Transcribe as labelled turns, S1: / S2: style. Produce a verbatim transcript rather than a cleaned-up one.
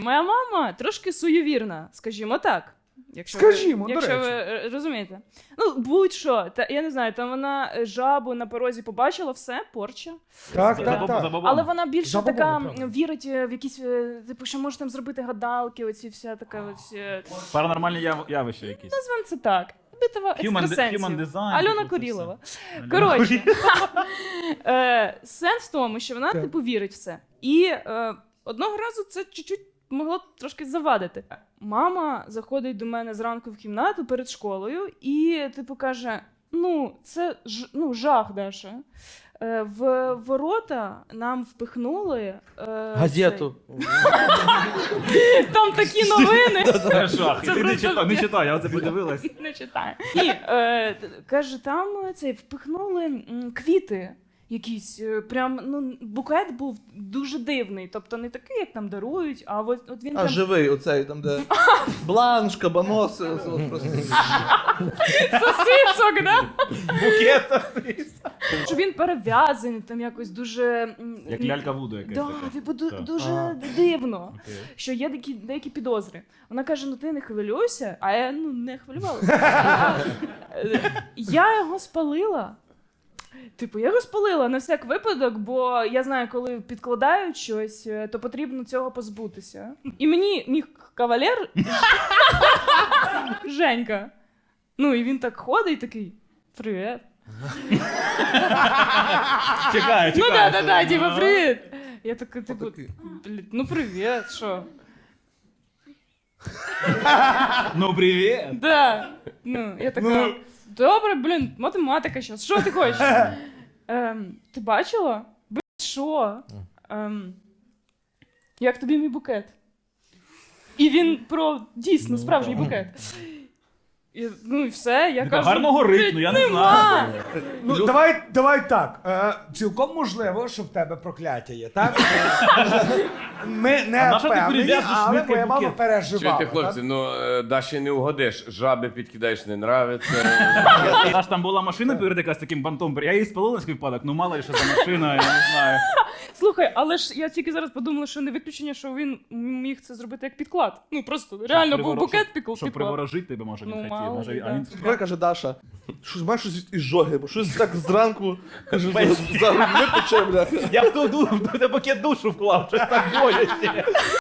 S1: Моя мама трошки суєвірна, скажімо так. Якщо
S2: Скажімо,
S1: ви,
S2: до
S1: якщо
S2: речі.
S1: ви розумієте. Ну, будь-що. Та, я не знаю, там вона жабу на порозі побачила, все, порча.
S2: Так,
S3: За
S2: так,
S3: бабу-
S2: так.
S3: за бабу.
S1: Але вона більше
S2: Забобонно,
S1: така
S2: правда.
S1: вірить в якісь, е, типу, що може там зробити гадалки, оці вся така ось... е,
S3: Паранормальні яв- явища якісь.
S1: Назвемо це так. Битва
S3: Human, de-
S1: екстрасенсів.
S3: human design.
S1: Альона
S3: типу, це
S1: Корілова.
S3: все.
S1: Коротше, е, сенс в тому, що вона,
S2: Так.
S1: типу, вірить в це. І е, одного разу це чуть-чуть могло трошки завадити. Мама заходить до мене зранку в кімнату перед школою і, типу, каже: ну, це ж, ну, жах, Даша. Е, в ворота нам впихнули... Е,
S4: Газету.
S1: цей- Там такі новини.
S3: Це жах.
S1: Це
S3: Ти не
S1: просто-
S3: читай, не читай, я оце подивилась.
S1: Не читаю. І е, т- каже, там е, цей впихнули м, квіти якісь. е, Прям ну букет був дуже дивний. Тобто не такий, як там дарують, а от, от він
S4: А
S1: прям
S4: живий, оцей, там де бланш, кабаноси, ось- ось просто.
S1: сосисок, да?
S3: Букет.
S1: Що він перев'язаний, там якось дуже м,
S3: Як лялька Вуду якась
S1: Да,
S3: така.
S1: типу, ду-
S3: Так.
S1: дуже
S4: Ага.
S1: дивно.
S3: Окей.
S1: Що є деякі, деякі підозри. Вона каже: ну ти не хвилюйся, а я ну не хвилювалася. Я, е, я його спалила. Типу, я його спалила на всяк випадок, бо я знаю, коли підкладають щось, е, то потрібно цього позбутися. І мені мій кавалер Женька. Ну, і він так ходить, такий: привіт.
S3: Чекаю, чекаю.
S1: Ну да, да, да,
S3: Ну.
S1: типу, привіт. Я така, типу,
S4: Отакий.
S1: блін, ну привіт, що?
S3: Ну, привіт.
S1: Да. Ну, я така,
S2: Ну.
S1: добре, блін, математика щас. Що ти хочеш? Ем, ти бачила? Блін, що? Ем, як тобі мій букет? І він про дійсно справжній букет. І, ну і все, я
S3: Така,
S1: кажу,
S3: гарно горить,
S1: «Блін,
S3: ну я не
S1: нема».
S3: знаю.
S2: Ну,
S4: Лю-
S2: давай, давай так. Е, цілком можливо, що в тебе прокляття є, так? Ми
S3: А
S2: не
S3: на що ти
S2: впевнені,
S3: прив'язуєш
S2: але
S3: швидкий
S2: моя мама
S3: букет?
S2: переживала.
S5: Чуєте, хлопці,
S2: так?
S5: ну е, Даші не угодиш, жаби підкидаєш, не нравиться.
S3: Аж там була машина перед якась таким бантом. Я її спалила на свій випадок, ну мало ли що за машина, я не знаю.
S1: Слухай, але ж я тільки зараз подумала, що не виключення, що він міг це зробити як підклад. Ну просто реально був
S3: Приворо-
S1: букет
S3: щоб-
S1: піклад.
S3: Щоб приворожити тебе, може,
S1: Ну,
S3: він хотів.
S1: мало
S3: Може,
S1: ли,
S3: а
S1: да.
S3: він...
S4: Коли каже Даша, щось маєш щось із жоги, бо щось так зранку, каже, за, за грудьми пече, бля.
S3: Я в ту ду- в той букет душу вклав, щось так боляче.